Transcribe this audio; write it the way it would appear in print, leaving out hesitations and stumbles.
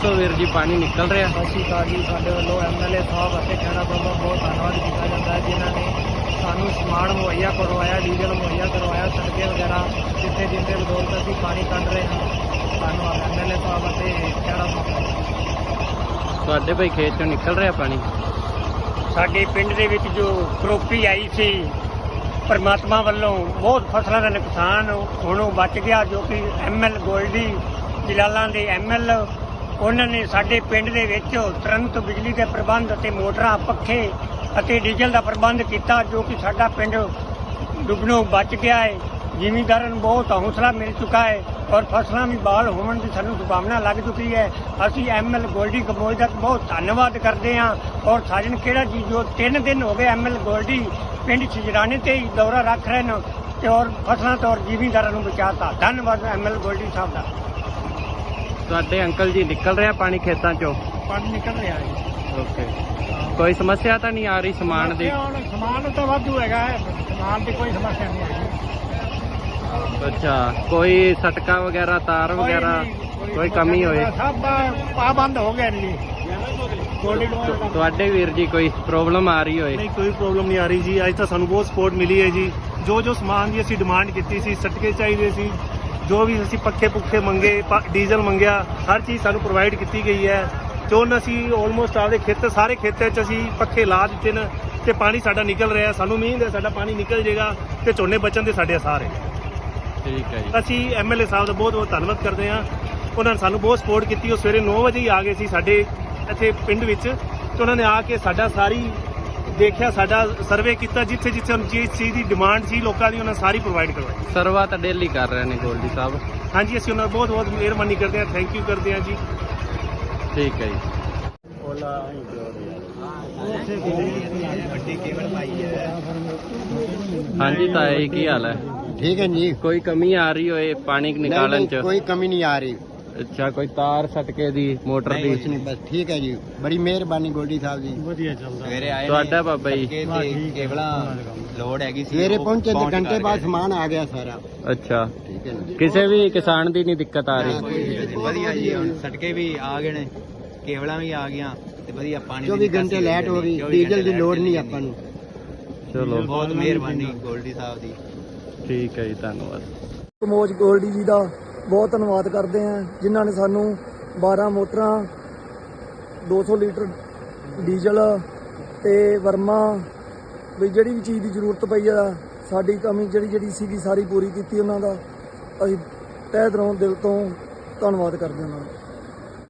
ਦੱਸੋ ਵੀਰ ਜੀ, ਪਾਣੀ ਨਿਕਲ ਰਿਹਾ? ਸਤਿ ਸ਼੍ਰੀ ਅਕਾਲ ਜੀ। ਸਾਡੇ ਵੱਲੋਂ MLA ਸਾਹਿਬ ਅਤੇ ਖਹਿਰਾ ਵੱਲੋਂ ਬਹੁਤ ਧੰਨਵਾਦ ਕੀਤਾ ਜਾਂਦਾ ਹੈ, ਜਿਨ੍ਹਾਂ ਨੇ ਸਾਨੂੰ ਸਮਾਨ ਮੁਹੱਈਆ ਕਰਵਾਇਆ, ਡੀਜ਼ਲ ਮੁਹੱਈਆ ਕਰਵਾਇਆ, ਸੜਕੇ ਵਗੈਰਾ ਜਿੱਥੇ ਜਿੱਥੇ ਬਦੌਲਤ ਅਸੀਂ ਪਾਣੀ ਕੱਢ ਰਹੇ ਹਾਂ। ਧੰਨਵਾਦ MLA ਸਾਹਿਬ ਅਤੇ ਖਹਿਰਾ ਸਾਹਿਬ। ਤੁਹਾਡੇ ਭਾਈ ਖੇਤ ਚੋਂ ਨਿਕਲ ਰਿਹਾ ਪਾਣੀ? ਸਾਡੇ ਪਿੰਡ ਦੇ ਵਿੱਚ ਜੋ ਕਰੋਪੀ ਆਈ ਸੀ, ਪਰਮਾਤਮਾ ਵੱਲੋਂ ਬਹੁਤ ਫਸਲਾਂ ਦਾ ਨੁਕਸਾਨ ਹੁਣ ਉਹ ਬਚ ਗਿਆ, ਜੋ ਕਿ ML ਗੋਲਡੀ ਜਲਾਲਾਂ ਦੇ ML ਉਹਨਾਂ ਨੇ ਸਾਡੇ ਪਿੰਡ ਦੇ ਵਿੱਚ ਤੁਰੰਤ ਬਿਜਲੀ ਦੇ ਪ੍ਰਬੰਧ ਅਤੇ ਮੋਟਰਾਂ, ਪੱਖੇ ਅਤੇ ਡੀਜ਼ਲ ਦਾ ਪ੍ਰਬੰਧ ਕੀਤਾ, ਜੋ ਕਿ ਸਾਡਾ ਪਿੰਡ ਡੁੱਬਣੋਂ ਬਚ ਗਿਆ ਹੈ। ਜ਼ਿਮੀਂਦਾਰਾਂ ਨੂੰ ਬਹੁਤ ਹੌਸਲਾ ਮਿਲ ਚੁੱਕਾ ਹੈ ਔਰ ਫਸਲਾਂ ਵੀ ਬਹਾਲ ਹੋਣ ਦੀ ਸਾਨੂੰ ਸੰਭਾਵਨਾ ਲੱਗ ਚੁੱਕੀ ਹੈ। ਅਸੀਂ ML ਗੋਲਡੀ ਕੰਬੋਜ ਦਾ ਬਹੁਤ ਧੰਨਵਾਦ ਕਰਦੇ ਹਾਂ ਔਰ ਸਾਜਨ ਖੇੜਾ ਜੀ ਜੋ 3 ਦਿਨ ਹੋ ਗਏ ML ਗੋਲਡੀ ਪਿੰਡ ਛਿਜਰਾਣੇ ਤੇ ਹੀ ਦੌਰਾ ਰੱਖ ਰਹੇ ਨੇ ਤੇ ਔਰ ਫਸਲਾਂ ਤੋਂ ਔਰ ਜ਼ਿਮੀਂਦਾਰਾਂ ਨੂੰ ਬਚਾਤਾ। ਧੰਨਵਾਦ ML ਗੋਲਡੀ ਸਾਹਿਬ ਦਾ। ਤੁਹਾਡੇ ਅੰਕਲ ਜੀ ਨਿਕਲ ਰਿਹਾ ਪਾਣੀ ਖੇਤਾਂ ਚੋਂ? ਪਾਣੀ ਨਿਕਲ ਰਿਹਾ ਹੈ। ਓਕੇ, ਕੋਈ ਸਮੱਸਿਆ ਤਾਂ ਨਹੀਂ ਆ ਰਹੀ ਸਮਾਨ ਦੀ? ਸਮਾਨ ਤਾਂ ਵਾਧੂ ਹੈਗਾ ਹੈ, ਸਮਾਨ ਦੀ ਕੋਈ ਸਮੱਸਿਆ ਨਹੀਂ ਆਈ। ਅੱਛਾ, ਕੋਈ ਸਟਕਾ ਵਗੈਰਾ, ਤਾਰ ਵਗੈਰਾ ਕੋਈ ਕਮੀ ਹੋਏ? ਸਭ ਪਾਬੰਦ ਹੋ ਗਏ ਨੇ ਜੀ। ਤੁਹਾਡੇ ਵੀਰ ਜੀ ਕੋਈ ਪ੍ਰੋਬਲਮ ਆ ਰਹੀ ਹੋਏ? ਨਹੀਂ, ਕੋਈ ਪ੍ਰੋਬਲਮ ਨਹੀਂ ਆ ਰਹੀ ਜੀ। ਅੱਜ ਤਾਂ ਸਾਨੂੰ ਬਹੁਤ ਸਪੋਰਟ ਮਿਲੀ ਹੈ ਜੀ। ਜੋ ਸਮਾਨ ਦੀ ਅਸੀਂ ਡਿਮਾਂਡ ਕੀਤੀ ਸੀ, ਸਟਕੇ ਚਾਹੀਦੇ ਸੀ, ਜੋ ਵੀ ਅਸੀਂ ਪੱਖੇ ਪੁੱਖੇ ਮੰਗੇ, ਡੀਜ਼ਲ ਮੰਗਿਆ, ਹਰ ਚੀਜ਼ ਸਾਨੂੰ ਪ੍ਰੋਵਾਈਡ ਕੀਤੀ ਗਈ ਹੈ। ਤੇ ਹੁਣ ਅਸੀਂ ਆਲਮੋਸਟ ਆਪਦੇ ਖੇਤ, ਸਾਰੇ ਖੇਤਾਂ 'ਚ ਅਸੀਂ ਪੱਖੇ ਲਾ ਦਿੱਤੇ ਨੇ ਤੇ ਪਾਣੀ ਸਾਡਾ ਨਿਕਲ ਰਿਹਾ। ਸਾਨੂੰ ਉਮੀਦ ਹੈ ਸਾਡਾ ਪਾਣੀ ਨਿਕਲ ਜਾਏਗਾ ਤੇ ਝੋਨੇ ਬਚਣ ਦੇ ਸਾਡੇ ਆਸਾਰ ਹੈ। ਠੀਕ ਹੈ ਜੀ। ਅਸੀਂ MLA ਸਾਹਿਬ ਦਾ ਬਹੁਤ ਬਹੁਤ ਧੰਨਵਾਦ ਕਰਦੇ ਹਾਂ। ਉਹਨਾਂ ਨੇ ਸਾਨੂੰ ਬਹੁਤ ਸਪੋਰਟ ਕੀਤੀ। ਉਹ ਸਵੇਰੇ 9 ਵਜੇ ਹੀ ਆ ਗਏ ਸੀ ਸਾਡੇ ਇੱਥੇ ਪਿੰਡ ਵਿੱਚ ਤੇ ਉਹਨਾਂ ਨੇ ਆ ਕੇ ਸਾਡਾ ਸਾਰੀ ਦੇਖਿਆ, ਸਾਡਾ ਸਰਵੇ ਕੀਤਾ, ਜਿੱਥੇ ਜਿੱਥੇ ਜਿਸ ਚੀਜ਼ ਦੀ ਡਿਮਾਂਡ ਸੀ ਲੋਕਾਂ ਦੀ ਉਹਨਾਂ ਸਾਰੀ ਪ੍ਰੋਵਾਈਡ ਕਰਵਾਈ। ਸਰਵਾ ਤਾਂ ਡੇਲੀ ਕਰ ਰਹੇ ਨੇ ਗੋਲਡੀ ਸਾਹਿਬ? ਹਾਂਜੀ, ਅਸੀਂ ਉਹਨਾਂ ਦਾ ਬਹੁਤ ਬਹੁਤ ਮਿਹਰਬਾਨੀ ਕਰਦੇ ਹਾਂ, ਥੈਂਕ ਯੂ ਕਰਦੇ ਹਾਂ ਜੀ। ਠੀਕ ਹੈ ਜੀ। ਹਾਂਜੀ ਤਾਇਆ ਜੀ, ਕੀ ਹਾਲ ਹੈ? ठीक है जी। ਕੋਈ ਕਮੀ ਆ ਰਹੀ ਹੋਏ ਪਾਣੀ ਨਿਕਾਲਣ ਚ? कोई कमी नहीं आ रही। ਅੱਛਾ, ਕੋਈ ਤਾਰ ਸਟਕੇ ਦੀ, ਮੋਟਰ ਦੀ? कुछ नहीं, बस ठीक है जी। बड़ी मेहरबानी गोल्डी साहब जी। ਵਧੀਆ ਚੱਲਦਾ। ਤੁਹਾਡਾ ਬਾਬਾ ਜੀ? ਲੋੜ ਹੈਗੀ ਸੀ, सवेरे पहुंचे तो घंटे बाद सामान आ गया सारा। ਅੱਛਾ, ठीक है ना। ਕਿਸੇ ਵੀ ਕਿਸਾਨ ਦੀ ਨਹੀਂ ਦਿੱਕਤ ਆ ਰਹੀ? ਵਧੀਆ ਜੀ। ਹੁਣ ਸਟਕੇ ਵੀ ਆ ਗਏ ਨੇ, ਕੇਬਲਾਂ ਵੀ ਆ ਗਈਆਂ ਤੇ ਵਧੀਆ ਪਾਣੀ 24 घंटे लाइट हो गई, डीजल की लोड़ नहीं अपन ਨੂੰ। ਚਲੋ, ਬਹੁਤ ਮਿਹਰਬਾਨੀ ਗੋਲਡੀ ਸਾਹਿਬ ਦੀ। ਠੀਕ ਹੈ ਜੀ, ਧੰਨਵਾਦ। ਕੰਬੋਜ ਗੋਲਡੀ ਜੀ ਦਾ ਬਹੁਤ ਧੰਨਵਾਦ ਕਰਦੇ ਹਾਂ, ਜਿਨ੍ਹਾਂ ਨੇ ਸਾਨੂੰ 12 ਮੋਟਰਾਂ, 200 ਲੀਟਰ ਡੀਜ਼ਲ ਤੇ ਵਰਮਾ ਵੀ ਜਿਹੜੀ ਵੀ ਚੀਜ਼ ਦੀ ਜ਼ਰੂਰਤ ਪਈ ਆ, ਸਾਡੀ ਕਮੀ ਜਿਹੜੀ ਸੀਗੀ ਸਾਰੀ ਪੂਰੀ ਕੀਤੀ ਉਹਨਾਂ ਦਾ। ਅਸੀਂ ਤਹਿ ਦਿਲੋਂ ਦਿਲ ਤੋਂ ਧੰਨਵਾਦ ਕਰਦੇ ਹਾਂ ਉਹਨਾਂ ਦਾ।